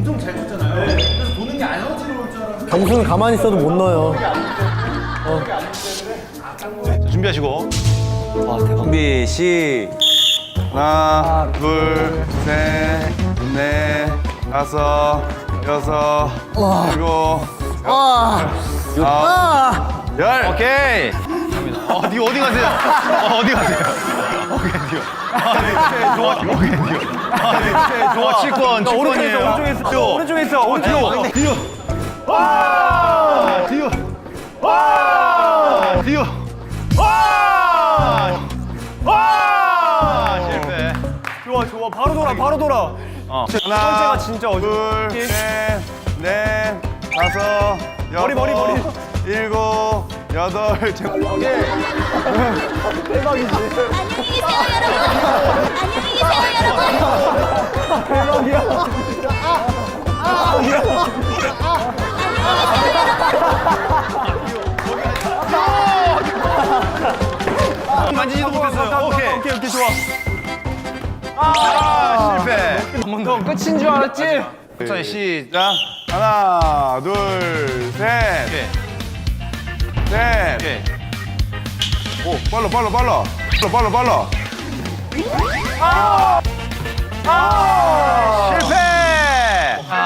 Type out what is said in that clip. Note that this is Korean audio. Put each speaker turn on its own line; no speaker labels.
엄청 잘 쳤잖아요. 그래서 도는 게 안 어지러울 줄 알았는데.
경수는 가만히 있어도 못 넣어요.
자, 준비하시고.
준비 시.
하나, 둘, 셋, 넷, 다섯, 여섯, 일곱, 아홉, 열.
오케이. 니 어디 가세요? 어디 가세요? 오케이, 디오. 좋아. 오케이, 디오. 좋아. 7권, 7권이에요.
오른쪽에 있어.
디오. 와! 디오. 와! 디오. 와! 와! 실패.
좋아. 바로 돌아.
하나,
진짜
둘, 셋, 넷, 다섯, 여섯,
머리.
일곱, 여덟,
안녕히 계세요, 여러분. 안녕히 계세요,
만지지도 못했어요. 오케이.
오케이, 좋아.
실패.
형 끝인 줄 알았지?
자, 시작.
자, 하나, 둘, 셋,
오케이.
넷.
오케이.
오, 빨라. 실패!